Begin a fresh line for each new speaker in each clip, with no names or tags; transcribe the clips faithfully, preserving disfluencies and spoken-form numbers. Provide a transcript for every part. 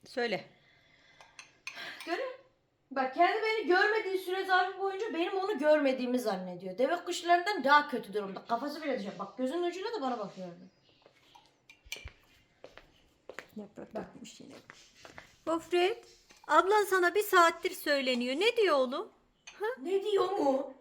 Söyle.
Görün. Bak kendi beni görmediği süre zarfı boyunca benim onu görmediğimi zannediyor. Deve kuşlarından daha kötü durumda. Kafası bile dışarı. Bak gözünün ucuyla da bana bakıyordu.
Yaprak dökmüş yine. Gofret, ablan sana bir saattir söyleniyor. Ne diyor oğlum?
Ne diyor mu?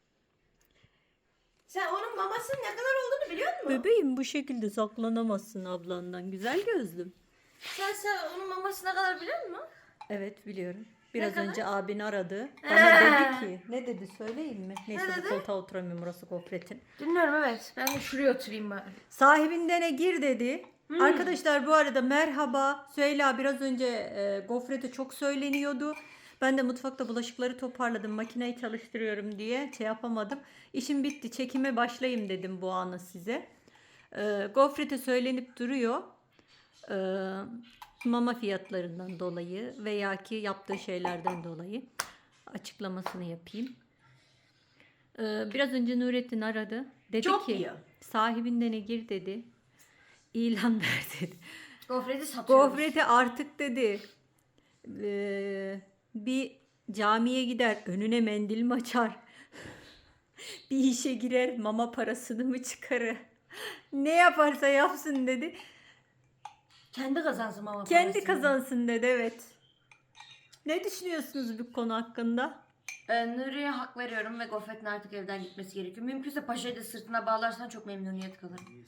Sen onun mamasının ne kadar olduğunu biliyor musun?
Bebeğim bu şekilde saklanamazsın ablandan. Güzel gözlüm.
Sen, sen onun maması ne kadar biliyor musun?
Evet biliyorum. Biraz
kadar?
önce abini aradı. Bana dedi ki ne dedi söyleyeyim mi? Neyse
Ne
bu
dedi?
koltuğa oturamıyorum, burası Gofret'in.
Dinliyorum evet. Ben de şuraya oturayım bari.
Sahibindene gir dedi. Arkadaşlar bu arada merhaba. Süheyla biraz önce e, Gofret'e çok söyleniyordu. Ben de mutfakta bulaşıkları toparladım. Makineyi çalıştırıyorum diye şey yapamadım. İşim bitti. Çekime başlayayım dedim bu anı size. E, Gofret'e söylenip duruyor. E, mama fiyatlarından dolayı veya ki yaptığı şeylerden dolayı açıklamasını yapayım. E, biraz önce Nurettin aradı. Dedi
Çok
ki
yiyor.
sahibindene gir dedi. İlan ver dedi.
Gofreti satıyoruz.
Gofreti artık dedi e, bir camiye gider önüne mendil mi açar? Bir işe girer mama parasını mı çıkarır? Ne yaparsa yapsın dedi.
Kendi kazansın mama
Kendi
parasını.
kazansın dedi, evet. Ne düşünüyorsunuz bu konu hakkında?
Ee, Nuri'ye hak veriyorum ve Gofret'in artık evden gitmesi gerekiyor. Mümkünse paşayı da sırtına bağlarsan çok memnuniyet kalırım.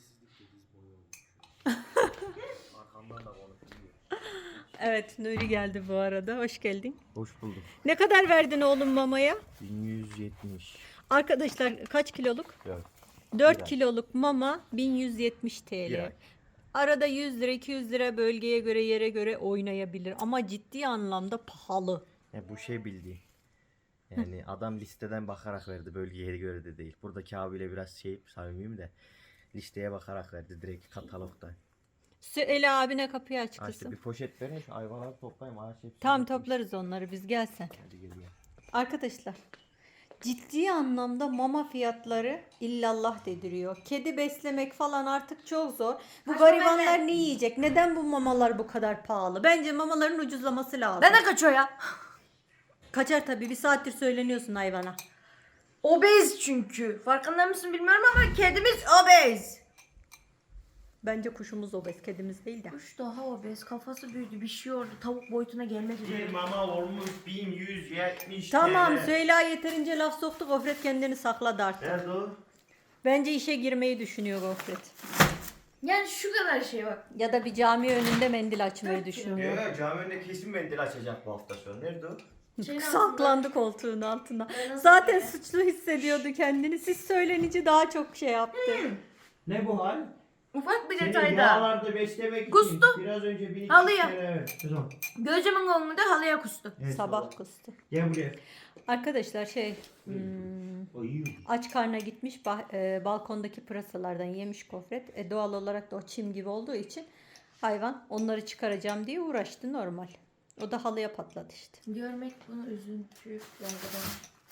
Evet, Nuri geldi bu arada. Hoş geldin.
Hoş bulduk.
Ne kadar verdin oğlum mamaya?
bin yüz yetmiş.
Arkadaşlar kaç kiloluk?
Evet.
dört
Bir ay.
kiloluk mama bin yüz yetmiş
Bir
T L.
ay.
Arada yüz lira iki yüz lira bölgeye göre yere göre oynayabilir ama ciddi anlamda pahalı.
Ya bu şey bildiği. Yani adam listeden bakarak verdi, bölgeye göre de değil. Buradaki abiyle biraz şey samimiyim de listeye bakarak verdi direkt katalogdan.
Süheyla abine kapıyı aç
Ha işte
kızım.
bir poşet verin şu hayvanları toplayayım. Ağaç hepsini
Tam
dökmüş.
toplarız onları biz, gelsen.
Hadi gel gel.
Arkadaşlar ciddi anlamda mama fiyatları illallah dediriyor. Kedi beslemek falan artık çok zor. Bu
Kaç
garibanlar
para?
ne yiyecek? Neden bu mamalar bu kadar pahalı? Bence mamaların ucuzlaması lazım.
Ben de kaçıyor ya.
Kaçar tabii, bir saattir söyleniyorsun hayvana.
Obez çünkü. Farkında mısın bilmiyorum ama kedimiz obez.
Bence kuşumuz obez, kedimiz değil de.
Kuş daha obez. Kafası büyüdü. Bir şey oldu. Tavuk boyutuna gelmek üzere.
Bir mama olmuş bin yüz yetmiş.
Tamam,
T L.
Süheyla yeterince laf soktu. Gofret kendini sakladı artık.
Nerede o?
Bence işe girmeyi düşünüyor Gofret.
Yani şu kadar şey bak.
Ya da bir cami önünde mendil açmayı
Dört
düşünüyor.
Ya cami önünde kesin mendil açacak bu hafta sonu. Nerede o?
Şeyin
Saklandı koltuğun altına.
Ben nasıl
Zaten
böyle?
suçlu hissediyordu kendini. Siz söylenince daha çok şey yaptı.
Ne bu hal?
Ufak bir
Seni
detay
bu
daha.
ağlarda beslemek
Kustu.
için biraz önce bir
Halıya.
Evet. Kızım.
Gözümün önünde halıya kustu.
Evet,
Sabah kustu.
Gel buraya.
Arkadaşlar şey hmm,
O iyi.
aç karnına gitmiş bah- e, balkondaki pırasalardan yemiş Gofret. E, doğal olarak da o çim gibi olduğu için hayvan onları çıkaracağım diye uğraştı, normal. O da halıya patladı işte.
Görmek bunu üzüntü yargıdan.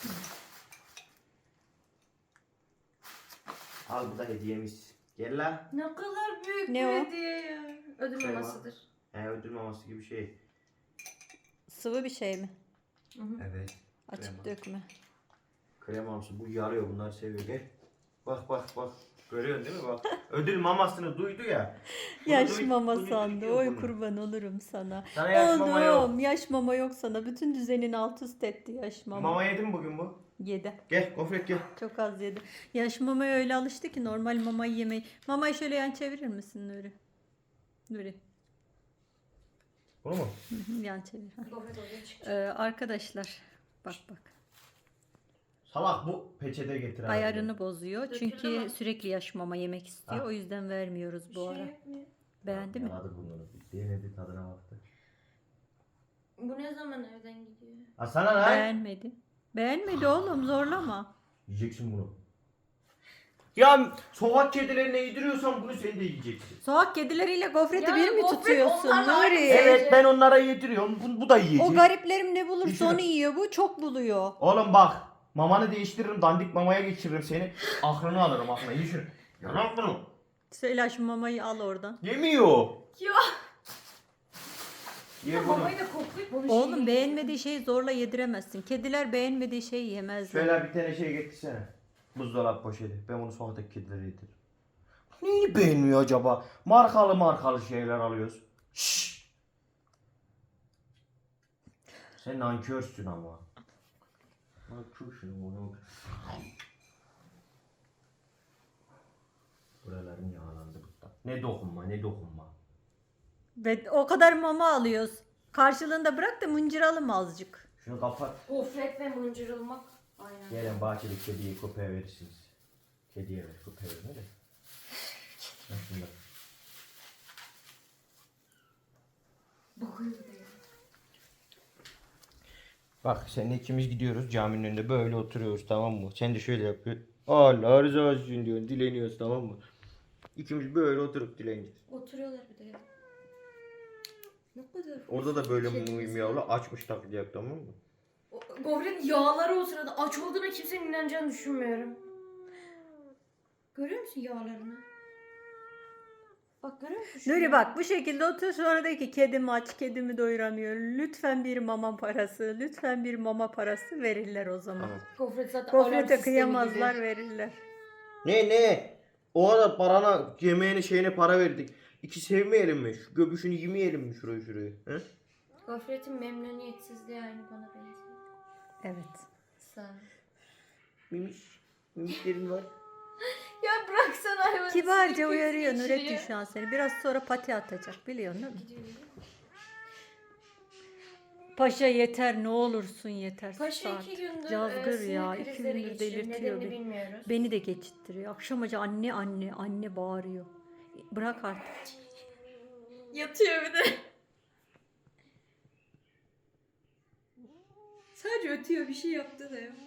Al bu da hediyemiz. Gel la.
Ne kadar büyük
Ne
bir
o?
hediye ya. Ödül
Şey
mamasıdır.
He ödül maması gibi şey.
Sıvı bir şey mi?
Evet.
Açık
Krema.
dökme.
Kremamsı bu yarıyor, bunlar seviyor. Gel. Bak bak bak. Görüyorsun değil mi bak. Ödül mamasını duydu ya. Bunu
Yaş
duy-
mama
bunu
sandı.
duyuyor
Oy
bunu.
kurban olurum sana.
Sana yaş mama yok.
Oğlum yaş mama yok sana. Bütün düzenin alt üst etti yaş mama.
Mama yedin mi bugün bu?
Yedi.
Gel Gofret gel.
Çok az yedi. Yaş mamaya öyle alıştı ki normal mamayı yemeyi. Mamayı şöyle yan çevirir misin Nuri? Nuri.
Bunu mu?
Hı hı, yan çevir. Ha.
Gofret oraya çıktı.
Ee, arkadaşlar bak bak.
Salak bu peçete getir abi.
Ayarını bozuyor.
Döküldü
Çünkü
mü?
sürekli yaş mama yemek istiyor.
Ha.
O yüzden vermiyoruz bu
Şey
ara.
yapmıyor.
Beğendi mi?
Yaladı bunları. Denedi, tadına baktı.
Bu ne zaman evden gidiyor?
Ha sana lan.
Beğenmedi. Beğenmedi oğlum, zorlama.
Yiyeceksin bunu. Ya sokak kedilerine yediriyorsan bunu sen de yiyeceksin.
Sokak kedileriyle gofreti
Ya
bir mi
gofret
tutuyorsun
onlarla aynı
Nuri?
şey.
Evet ben onlara yediriyorum. Bu, bu da yiyecek.
O gariplerim ne bulursa
Düşünün.
onu yiyor. Bu çok buluyor.
Oğlum bak. Mamanı değiştiririm. Dandik mamaya geçiririm seni. Aklını alırım aklına. Ye şunu. Yalan bunu.
Söyle şu mamayı al oradan.
Yemiyor.
Ya.
Ye bunu.
Mamayı da koklayıp onu
Oğlum
şey-
beğenmediği şeyi zorla yediremezsin. Kediler beğenmediği şeyi yemezler.
Şöyle bir tane şey getirsene. Buzdolabı poşeti. Ben bunu sokaktaki kedilere yediririm. Neyi beğenmiyor acaba? Markalı markalı şeyler alıyoruz. Şşş. Sen nankörsün ama. Nankörsün oğlum. Buralarım yağlandı burada. Ne dokunma ne dokunma.
Ve o kadar mama alıyoruz. Karşılığında bırak da mıncıralım azıcık.
Şunu kapat.
Gofret ve mıncırılmak. Aynen.
Gelen bahçede kediyi köpeğe verirsiniz. Kediye ver, köpeğe verme de. Ben şunu da-
Bakıyor bir de.
Bak seninle ikimiz gidiyoruz caminin önünde böyle oturuyoruz tamam mı? Sen de şöyle yapıyorsun. Allah rızası için diyorsun dileniyoruz tamam mı? İkimiz böyle oturup dileniyoruz.
Oturuyorlar bir de. Ne kadar.
Orada da böyle
Kedimiz
muyum
var.
yavru açmış taklidi tamam mı?
O- Gofretin yağları o sırada aç olduğuna kimsenin inanacağını düşünmüyorum. Görüyor musun yağlarını? Bak görüyor musun? şu
Nuri
yağı?
bak bu şekilde otur sonra de ki kedim aç kedimi doyuramıyor. Lütfen bir mama parası lütfen bir mama parası verirler o zaman.
Tamam.
Gofret zaten alarm
Gofrete
sistemi
kıyamazlar
gibi.
verirler.
Ne ne? O kadar parana yemeğine şeyine para verdik. İki sevmeyelim mi? Şu göbüşünü yemeyelim mi şurayı şurayı? He?
Gofretin memnuniyetsizliği aynı bana benziyor.
Evet.
Sağ ol.
Mimiş. Mimişlerin var.
Ya bıraksana hayvanı.
Kibarca
sinir
uyarıyor
krizi
Nurettin
geçiriyor.
şu an seni. Biraz sonra pati atacak biliyorsun değil mi?
Gidiyor.
Paşa yeter ne olursun yeter.
Paşa
Saat.
iki gündür
Cazgır
e, sinir
ya. iki
krizleri
gündür
geçiriyor.
delirtiyor
Nedenini
beni.
bilmiyoruz.
Beni de geçittiriyor. Akşam acı anne anne anne bağırıyor. Bırak artık.
Yatıyor bir de. Sadece ötüyor bir şey yaptı da yok.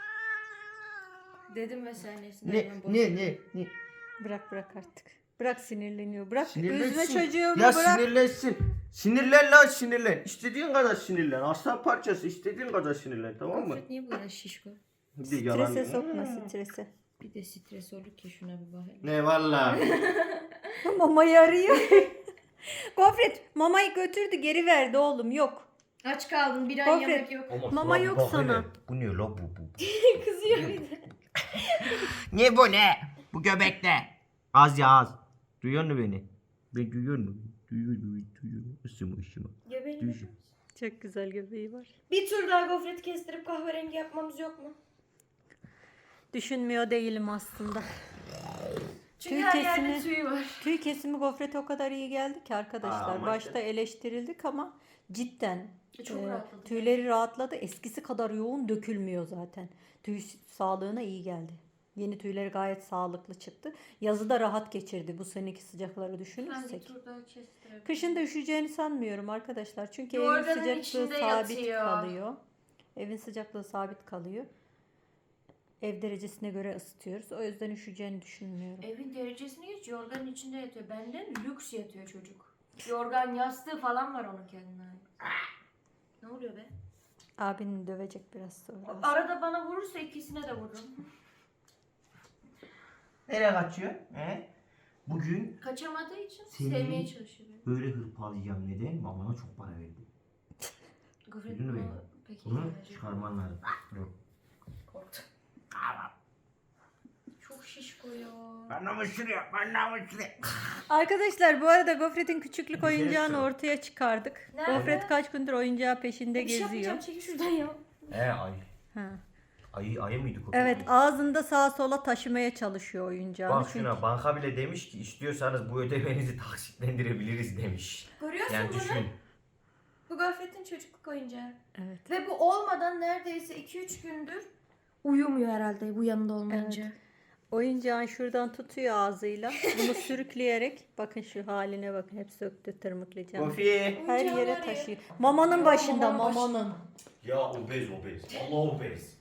Dedim ve sahnesinde
Ne ne ne ne?
Bırak bırak artık. Bırak sinirleniyor. Bırak üzme
Sinirlensin.
çocuğumu
Ya
bırak.
sinirlensin. Sinirlen lan sinirlen. İstediğin kadar sinirlen. Aslan parçası istediğin kadar sinirlen tamam mı?
Gofret niye bu kadar şişko?
Bir de yalan.
Strese sokma strese.
Bir de stres olur ki şuna bir bakayım.
Ne valla.
Mamayı arıyor. Gofret mamayı götürdü geri verdi oğlum yok.
Aç kaldın bir ay
Gofret.
yemek yok.
Mama yok sana.
Bu ne la bu bu?
Kızıyor bir de.
Ne bu ne? Bu göbek ne? Az ya az. Duyuyor musun beni? Ben duyuyor musun? Duyuyor musun? Duyuyor musun? Isıma ısıma.
Göbeğini
Duyuyor.
Çok güzel göbeği var.
Bir tur daha gofret kestirip kahverengi yapmamız yok mu?
Düşünmüyor değilim aslında.
Çünkü
Tüy
her
kesimi-
yerde tüy var.
Tüy kesimi gofrete o kadar iyi geldi ki arkadaşlar.
Aa, ama
Başta
işte-
eleştirildik ama cidden
Çok
e,
rahatladı.
tüyleri rahatladı. Eskisi kadar yoğun dökülmüyor zaten. Tüy sağlığına iyi geldi. Yeni tüyleri gayet sağlıklı çıktı. Yazı da rahat geçirdi bu seneki sıcakları
Ben bir
düşünürsek.
tur daha kestirebilirim.
Kışın da üşüyeceğini sanmıyorum arkadaşlar. Çünkü
Yorganın
evin sıcaklığı
içinde
sabit
yatıyor.
kalıyor. Evin sıcaklığı sabit kalıyor. Ev derecesine göre ısıtıyoruz. O yüzden üşüyeceğini düşünmüyorum.
Evin derecesini geç yorganın içinde yatıyor. Benden lüks yatıyor çocuk. Yorgan yastığı falan var onun kendine ait. Ne oluyor be?
Abini dövecek biraz sonra.
Arada bana vurursa ikisine de vururum.
Nereye kaçıyor? He? Bugün
Kaçamadığı için
Seni-
sevmeye çalışıyor.
böyle hırpalayacağım neden? Babana çok para verdi.
Gofret
Duydun mu
bunu
beni?
pek
Bunu
iyi verecek.
çıkarman lazım. Dur.
Korktum. Çok şişko ya.
Ben namusluyor, ben namusluyor.
Arkadaşlar bu arada Gofret'in küçüklük
Bir şey
oyuncağını
söyle.
ortaya çıkardık.
Nerede?
Gofret kaç gündür oyuncağı peşinde
Bir şey
geziyor.
yapmayacağım çekil şuradan ya.
He ay.
Ha.
Ayı, ayı mıydı köpek?
Evet
miydi?
ağzında sağa sola taşımaya çalışıyor oyuncağını.
Bak
Çünkü
şuna banka bile demiş ki istiyorsanız bu ödemenizi taksitlendirebiliriz demiş.
Görüyorsun
Yani
bunu?
düşün.
Bu Gofret'in çocukluk oyuncağı.
Evet.
Ve bu olmadan neredeyse iki üç gündür uyumuyor herhalde bu yanında olmayınca.
Oyuncağın şuradan tutuyor ağzıyla. Bunu sürükleyerek bakın şu haline bakın. Hep söktü tırmıklayacağım.
Kofi.
Her
Oyuncağı
yere
var ya.
taşıyor. Mamanın
Ya,
başında
mamanın
mamanın.
Ya obez obez. Allah obez.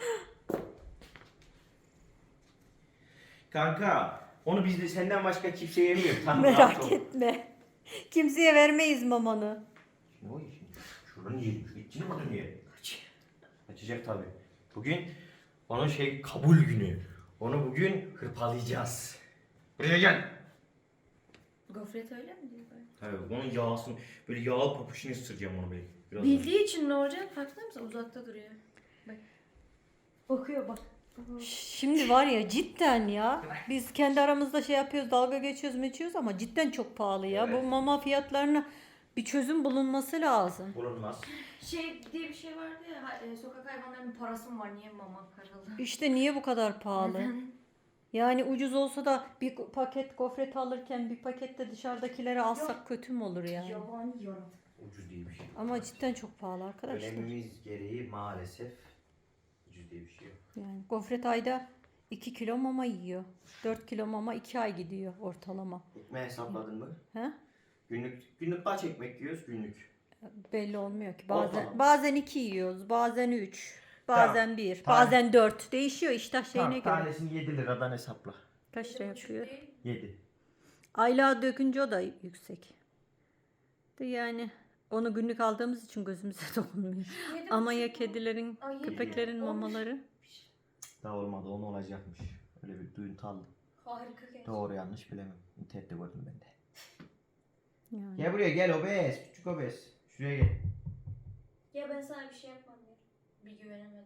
Kanka onu biz de senden başka kimse yemiyor. Tamam, rahat ol.
Merak etme. Kimseye vermeyiz mamanı.
Oy, şimdi şuranı yiyelim. Şu içini mi yiyelim? Açacak tabi. Bugün onun şey kabul günü. Onu bugün hırpalayacağız. Buraya gel.
Gofret öyle mi diyor böyle?
Evet, onun yağsını, böyle yağlı papuşunu ısıracağım onu böyle. Biraz
Bildiği için ne olacak? Farkında mısın? Uzakta duruyor. Bak. Bakıyor bak.
Şimdi var ya cidden ya biz kendi aramızda şey yapıyoruz, dalga geçiyoruz meçiyoruz ama cidden çok pahalı ya.
Evet.
Bu mama fiyatlarına bir çözüm bulunması lazım.
bulunmaz.
Şey diye bir şey vardı ya, ha- e, sokak hayvanlarının parası mı var? Niye mama paralı?
İşte niye bu kadar pahalı?
Neden?
Yani ucuz olsa da bir paket gofret alırken bir pakette dışarıdakilere alsak kötü mü olur yani?
Yabani yaratık.
Ucuz diye bir şey.
Ama cidden çok pahalı arkadaşlar.
Önemimiz gereği maalesef ucuz diye bir şey yok.
Yani gofret ayda iki kilo mama yiyor. dört kilo mama iki ay gidiyor ortalama.
Ekmeği hesapladın mı?
He?
Günlük günlük kaç ekmek yiyoruz günlük?
Belli olmuyor ki. Bazen
Ortalama.
bazen iki yiyoruz, bazen üç, bazen bir,
Tamam.
bazen dört. Değişiyor iştah şeyine
Tamam,
göre.
tanesini yedi liradan hesapla.
Kaç lira yapıyor?
yedi.
Aylığa dökünce o da yüksek. De yani onu günlük aldığımız için gözümüze dokunmuyor. Ama ya kedilerin,
Ay, yedi.
köpeklerin
Olmuş.
mamaları?
Daha olmadı, onu olacakmış. Öyle bir duyuntu aldım.
Harika gerçekten.
Doğru yanlış bilemem. İnternette gördüm ben de.
Yani.
Gel buraya gel obez. Küçük obez. Şuraya gel.
Ya ben sana bir şey yapmam ya. Bir güvenemedim.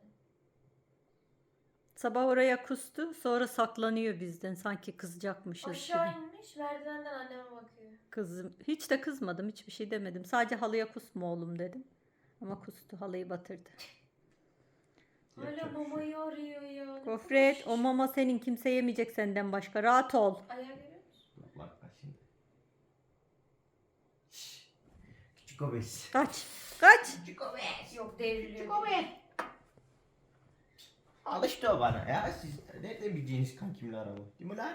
Sabah oraya kustu, sonra saklanıyor bizden sanki kızacakmışız
Aşağı
gibi.
inmiş, merdivenden anneme bakıyor.
Kızım, hiç de kızmadım, hiçbir şey demedim. Sadece halıya kusma oğlum dedim. Ama kustu, halıyı batırdı.
Hala
Yapacak bir şey
mamayı arıyor ya. Ne
Gofret,
kadar
o mama senin, kimse yemeyecek senden başka. Rahat ol.
şiş. Ayağı görüyor musun?
Bak bak bak şimdi. Şşş. Küçük obez.
Kaç, kaç.
Küçük obez.
Yok devriliyor.
Küçük obez. Alıştı o bana ya. Siz nereden bileceğiniz kankimle araba? Değil mi lan?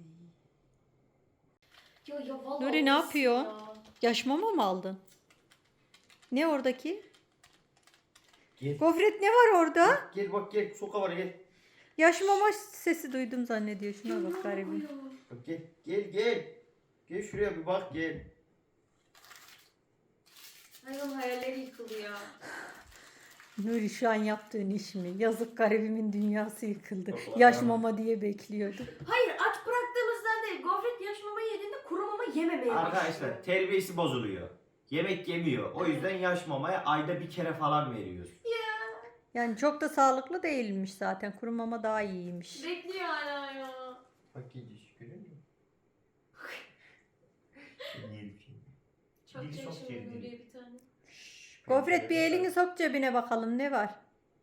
Ya ya vallahi
Nuri ne
olmasın
yapıyor?
ya.
Yaş mama mı aldın? Ne oradaki?
Gel.
Gofret ne var orada?
Gel bak gel. Soka var gel.
Yaş mama sesi duydum zannediyor. Şuna bak garibim.
Bak gel. Gel gel. Gel şuraya bir bak gel.
Hayvan hayalleri yıkılıyor.
Nuri şu an yaptığın iş mi? Yazık garibimin dünyası yıkıldı.
Allah
Yaş
Allah.
mama diye bekliyordu.
Hayır, aç bıraktığımızdan değil. Gofret yaş mama yediğinde kuru mama yememeye başlıyor.
Arkadaşlar terbiyesi bozuluyor. Yemek yemiyor. O yüzden yaş mamaya ayda bir kere falan veriyoruz.
Yani çok da sağlıklı değilmiş zaten. Kuru mama daha iyiymiş.
Bekliyor hala ya.
Bak gidiş görüyor musun? Yedim şimdi.
Çok
Dili çok
çekişmeli
sevdi.
Nuriye bir tane.
Gofret bir elini sok cebine bakalım ne var?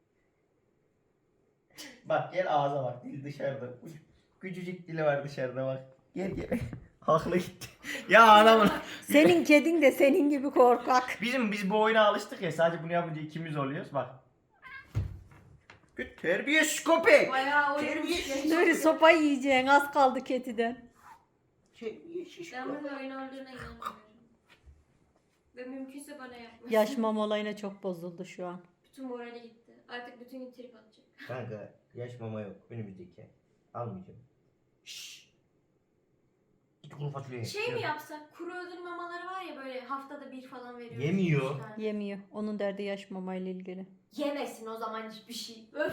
Bak gel ağza bak dil dışarıda. Küçücük dili var dışarıda bak. Gel gel. Haklı gitti. Ya adamın.
Senin kedin de senin gibi korkak.
Bizim biz bu oyuna alıştık ya, sadece bunu yapınca ikimiz oluyoruz bak. Bir terbiyesiz köpek.
Bayağı
Terbiyesiz.
oynamış.
Nuri sopa yiyeceksin az kaldı kediden.
Terbiyesiz
Ben
köpek.
bunun oyun olduğuna inanmıyorum. Ve mümkünse bana yapmasın.
Yaş mama olayına çok bozuldu şu an.
Bütün morali gitti. Artık bütün gün trip atacak.
Kanka yaş mama yok önümüzdeki ay. Almayacağım. Şşş. Git kuru fasulye ye.
Şey mi yapsak? Kuru ödül mamaları var ya, böyle haftada bir falan veriyoruz.
Yemiyor.
Üç tane.
Yemiyor. Onun derdi yaş mama ile ilgili.
Yemesin o zaman hiçbir şey. Öf.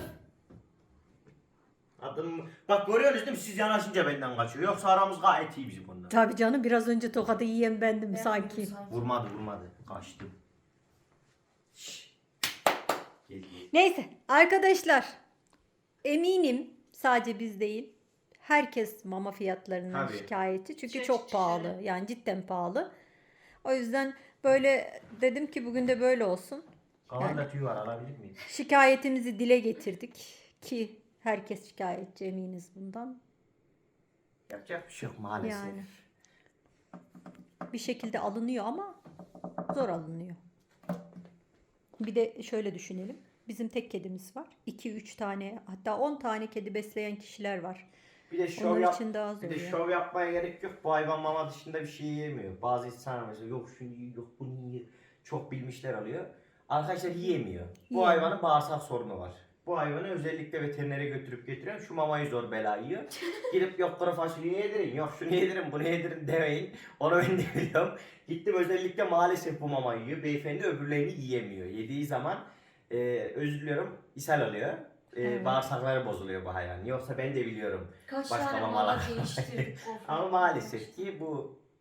Adım bak görüyorsunuz değil mi? Siz yanaşınca benden kaçıyor. Yoksa aramız gayet iyi bizim konuda.
Tabii canım biraz önce tokadı yiyen bendim
Ben
sanki.
bunu sanki.
Vurmadı vurmadı. Kaçtım. Şşş. Gel gel.
Neyse arkadaşlar eminim sadece biz değil herkes mama fiyatlarından
Tabii.
şikayetçi çünkü
Çok
çok pahalı
şişleri.
yani cidden pahalı. O yüzden böyle dedim ki bugün de böyle olsun.
Kafamda tüy var, alabilir miyim?
Şikayetimizi dile getirdik ki herkes şikayetçi eminiz bundan.
Yapacak bir şey yok maalesef.
Yani. Bir şekilde alınıyor ama zor alınıyor. Bir de şöyle düşünelim. Bizim tek kedimiz var. iki üç tane hatta on tane kedi besleyen kişiler var.
Bir de şov
Onlar
yap.
için daha zor
Bir de
ya.
şov yapmaya gerek yok. Bu hayvan mama dışında bir şey yemiyor. Bazı insanlar mesela yok şunu yiyor, yok bunu yiyor. Çok bilmişler alıyor. Arkadaşlar yiyemiyor. Bu
Yiyemiyor.
hayvanın bağırsak sorunu var. Bu hayvanı özellikle veterinere götürüp getiriyorum. Şu mamayı zor bela yiyor. Gidip yok kuru fasulye yedirin, yok şunu yedirin, bunu yedirin demeyin. Onu ben de biliyorum. Gittim özellikle maalesef bu mamayı yiyor. Beyefendi öbürlerini yiyemiyor. Yediği zaman e, özür diliyorum ishal alıyor. E,
Evet.
Bağırsakları bozuluyor bu hayvan. Yoksa ben de biliyorum.
Kaç
Başka
tane
mamalar.
mama değiştirdik. Of.
Ama maalesef ki bu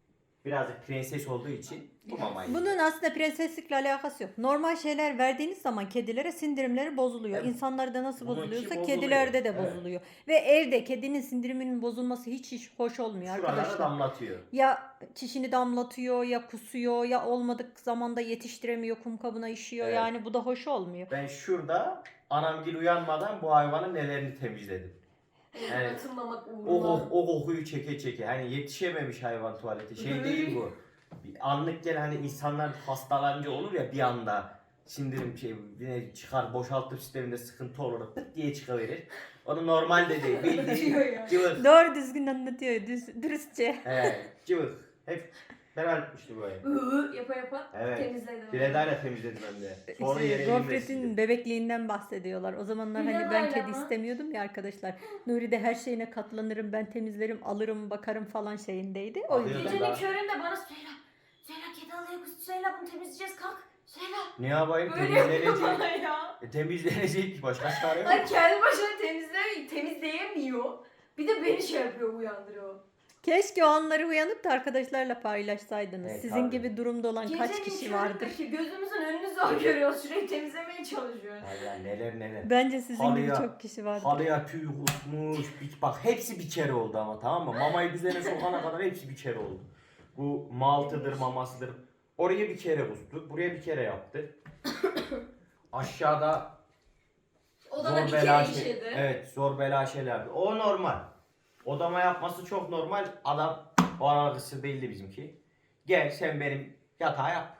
birazcık prenses olduğu için bu mamayı yiyor.
Bunun aslında prenseslikle alakası yok. Normal şeyler verdiğiniz zaman kedilere sindirimleri bozuluyor.
Evet.
İnsanlarda nasıl
Bununki
bozuluyorsa
bozuluyor.
kedilerde de
Evet.
bozuluyor. Ve evde kedinin sindiriminin bozulması hiç hiç hoş olmuyor
Şuralara
arkadaşlar.
damlatıyor.
Ya çişini damlatıyor, ya kusuyor, ya olmadık zamanda yetiştiremiyor, kum kabına işiyor.
Evet.
Yani bu da hoş olmuyor.
Ben şurada anamgil uyanmadan bu hayvanın nelerini temizledim. Evet.
Atılmamak
O,
uğruna.
o, o kokuyu çeke çeke. Hani yetişememiş hayvan tuvalete. Şey değil bu. Bir anlık gel hani insanlar hastalanınca olur ya bir anda sindirim şey yine çıkar boşaltım sisteminde sıkıntı olur pıt diye çıkıverir. Onu normal de değil. Bildiğin
Diyor ya.
cıvık.
Doğru düzgün anlatıyor, düz, dürüstçe.
Evet, cıvık. Hep beraber etmişti bu ev.
Iı yapa yapa
Evet.
temizledim.
Biledayla temizledim hem de. Sonra
İşte
yere elimle
Gofret'in
sildim.
bebekliğinden bahsediyorlar. O zamanlar hani ben
Biledayla
kedi
mı?
istemiyordum ya arkadaşlar. Nuri de her şeyine katlanırım, ben temizlerim, alırım, bakarım falan şeyindeydi. O
Alıyor.
yüzden.
Gecenin
Daha-
köründe bana Süheyla, Süheyla kedi alıyor kız, Süheyla bunu temizleyeceğiz kalk. Süheyla.
Ne yapayım?
Böyle yapıyor
Temizlenecek.
bana ya.
E, temizlenecek ki başka çare yok.
Ay kendi başına temizlemiyor, temizleyemiyor. Bir de beni şey yapıyor, uyandırıyor.
Keşke o anları uyanıp da arkadaşlarla paylaşsaydınız.
Evet,
Sizin
tabii.
gibi durumda olan kaç
Gecenin
kişi vardır?
köründeki gözümüzün önünü zor görüyoruz. Sürekli temizlemeye çalışıyoruz.
Allah neler neler.
Bence sizin gibi
Halıya-
çok kişi vardır.
Halıya tüy kusmuş. Bir, bak hepsi bir kere oldu ama tamam mı? Mamayı düzene sokana kadar hepsi bir kere oldu. Bu maltıdır mamasıdır. Oraya bir kere kustu. Buraya bir kere yaptı. Aşağıda
Odada bir
bela
kere
şey-
işedi.
Evet zor bela şeyler yaptı. O normal. Odama yapması çok normal. Adam o arası belli bizimki. Gel sen benim yatağa yap.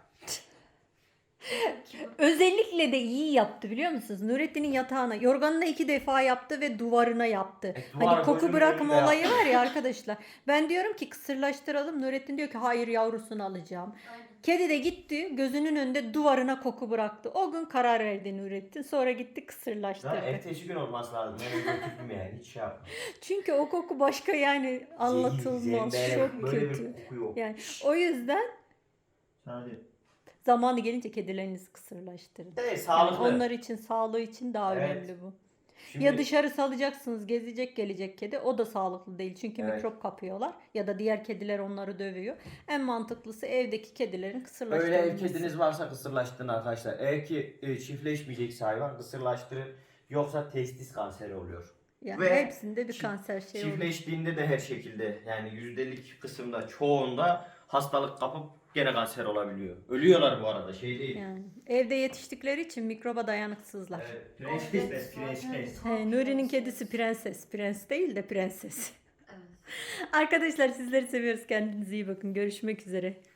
Özellikle de iyi yaptı biliyor musunuz? Nurettin'in yatağına, yorganına iki defa yaptı ve duvarına yaptı.
E, duvar
Hani koku
gözümün
bırakma
önünde
olayı
yaptı.
var ya arkadaşlar. Ben diyorum ki kısırlaştıralım. Nurettin diyor ki hayır yavrusunu alacağım.
Aynen.
Kedi de gitti gözünün önünde duvarına koku bıraktı. O gün karar verdi Nurettin. Sonra gitti
Ya,
kısırlaştırdı.
ertesi gün olması lazım. Ben öyle götürdüm yani. Hiç şey yapmadım.
Çünkü o koku başka yani anlatılmaz.
Zembele,
Çok
böyle
kötü.
bir koku yok.
Yani o yüzden
Hadi.
zamanı gelince kedilerinizi kısırlaştırın.
Evet
Yani
sağlıklı.
onlar için, sağlığı için daha
Evet.
önemli bu.
Şimdi,
Ya dışarı salacaksınız, gezecek gelecek kedi. O da sağlıklı değil. Çünkü
Evet.
mikrop kapıyorlar. Ya da diğer kediler onları dövüyor. En mantıklısı evdeki kedilerin
öyle
kısırlaştırılması.
ev kediniz varsa kısırlaştırın arkadaşlar. Eğer ki e, çiftleşmeyecekse hayvan kısırlaştırın. Yoksa testis kanseri oluyor.
Yani
Ve
hepsinde bir
çift-
kanser şey oluyor.
Çiftleştiğinde de her şekilde yani yüzdelik kısımda çoğunda hastalık kapıp gene kanser olabiliyor. Ölüyorlar bu arada şey değil.
Yani evde yetiştikleri için mikroba dayanıksızlar.
Evet, prenses, prenses.
He, Nuri'nin kedisi prenses. Prens değil de prenses.
Evet.
Arkadaşlar sizleri seviyoruz. Kendinize iyi bakın. Görüşmek üzere.